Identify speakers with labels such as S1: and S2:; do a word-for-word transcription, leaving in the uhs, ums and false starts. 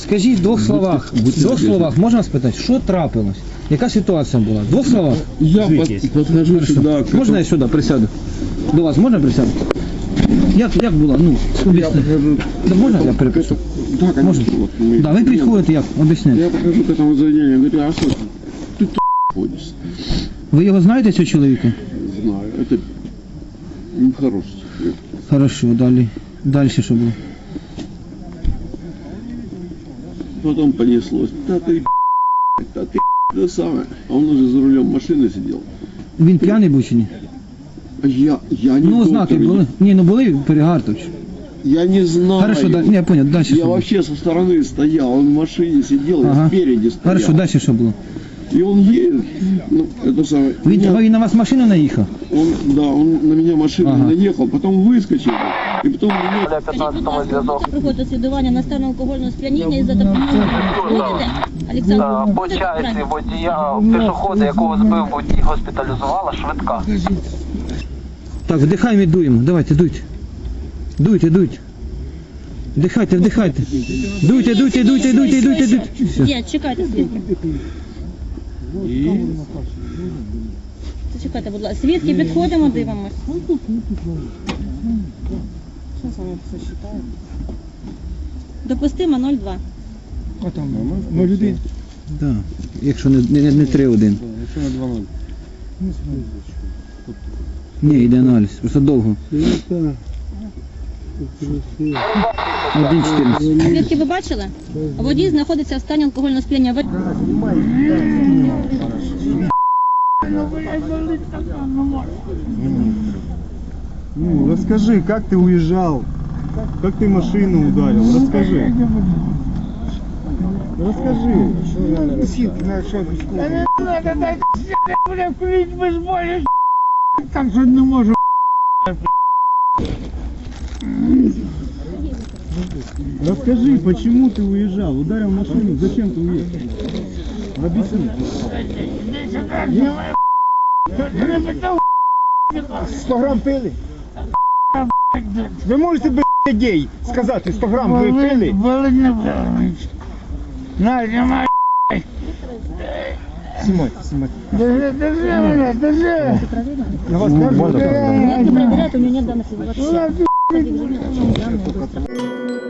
S1: Скажіть в двох словах, в двох словах, можна спитати, що трапилось? Яка ситуація була? В двох словах?
S2: Я под, подхожу сюда.
S1: Можна я сюди присяду? До вас можна присяду? Як, як було? Ну, об'ясни. Да, можна я перепишу?
S2: Да, конечно.
S1: Можна?
S2: Вот, мы-
S1: Да, ви підходите як? Об'ясняйте.
S2: Я подхожу к этому заведению, говорю, а что ты, ты ходишь?
S1: Ви його знаєте, цього чоловіка?
S2: Знаю, это нехороший человек.
S1: Хорошо, далі. Далі що було?
S2: Потом понеслось. Да ты, да ты, да самое. А он уже за рулем машины сидел.
S1: Він п'яний був чи ні?
S2: А я, я не
S1: Ну,
S2: доктор,
S1: знаки були. Ні, ну були перегартович.
S2: Я не знаю.
S1: Хорошо, далі. Ні, я понял, далі що
S2: Я
S1: було?
S2: вообще со стороны стоял, он в машине сидел,
S1: Ага.
S2: я спереди стоял.
S1: Хорошо, далі що було?
S2: И он едет, ну, это самое.
S1: Він,
S2: меня-
S1: він на вас машину наїхав?
S2: Он, да, он на меня машину
S1: Ага.
S2: наехал, потом выскочил, и потом меня...
S3: Проходить слідування на стан алкогольного сп'яніння і за допомогою будете? Олександр,
S4: Та, по
S3: будете
S4: часі
S3: брати?
S4: водія, пішохода, якого збив водій, госпіталізувала швидка.
S1: Так, вдихаємо і дуємо. Давайте, дуйте. Дуйте, дуйте. Вдихайте, вдихайте. Дуйте, дуйте, дуйте, дуйте, дуйте, дуйте. Все.
S3: Є, чекайте, свідки. Чекайте, будь ласка. Свідки, підходимо, дивимось. Що саме все читаю? Допустимо нуль два.
S5: А там ноль один.
S1: Да. Якщо не, не, не три один.
S5: Якщо на два ноль.
S1: Ні, йде аналіз. Просто довго. один чотирнадцять.
S3: Свідки ви бачили? Водій знаходиться в стані алкогольного сп'яніння. Ви-
S5: Ну, расскажи, как ты уезжал? Как ты машину ударил? Расскажи. Расскажи.
S6: Так що не можу.
S5: Расскажи, почему ты уезжал? Ударил машину, зачем ты уехал? Объясни.
S6: сто грам пили? Ви можете без гей сказати, сто грам ви пили? На, знімай. Знімайте, знімайте. Держи, держи мене, держи. На вас кажуть?
S3: Свідки перевіряють, у нього нет даних.